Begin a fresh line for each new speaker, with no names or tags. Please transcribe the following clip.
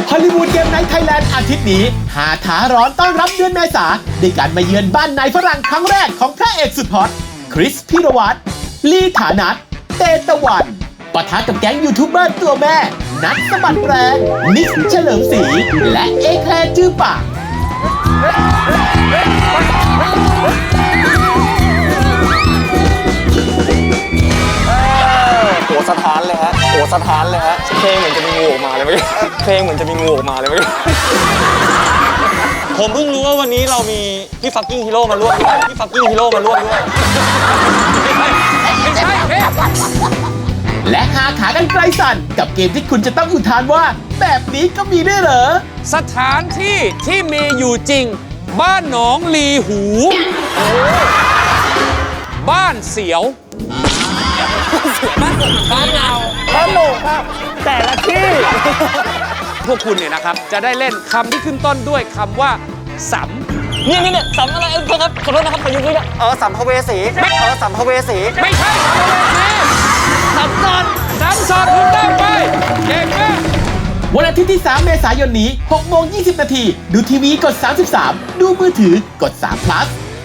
ฮอลลีวูดเกมไนท์ไทยแลนด์อาทิตย์นี้หาท้าร้อนต้อนรับเดือนเมษาด้วยการมาเยือนบ้านนายฝรั่งครั้งแรกของพระเอกสุดฮอตคริสพิรวัตรลีฐานัทเตตะวันปะทะกับแก๊งยูทูบเบอร์ตัวแม่นัทสะบัดแรงนิกเฉลิมศรีและเอแคลร์จื้อปาก
หัวสะท้านเลยฮะหัวสะท้านเลยฮะเพลงเหมือนจะมีงูออกมาเลยเมื่อกี้เพลงเหมือนจะมีงูออกมาเลยเมื่อกี้ผมเพิ่งรู้ว่าวันนี้เรามีพี่ฟักกิ้งฮีโร่มาร่วมด้วยพี่ฟักกิ้งฮีโร่มาร่วมด้วยไม่ใช่
และหาขากันไกลสั่นกับเกมที่คุณจะต้องอุทานว่าแบบนี้ก็มีด้วยเหรอ
สถานที่ที่มีอยู่จริงบ้านหนองลีหูบ้านเสียวบ้านเงาบ้านโหนกครับแต่ละที่พวกคุณเนี่ยนะครับจะได้เล่นคำที่ขึ้นต้นด้วยคำว่าสัม
เนี่ยสัมอะไรครับขอโทษนะครับขอยืมนิดนึงสัมภเวสีสัมภเวสี
ไม่ใช่สัมภเวสีสัมสอนคุณตั้งไปเก่งมาก
วันอาทิตย์ที่ 3 เมษายนนี้ 6:20 น.ดูทีวีกด 33 ดูมือถือกด3 plus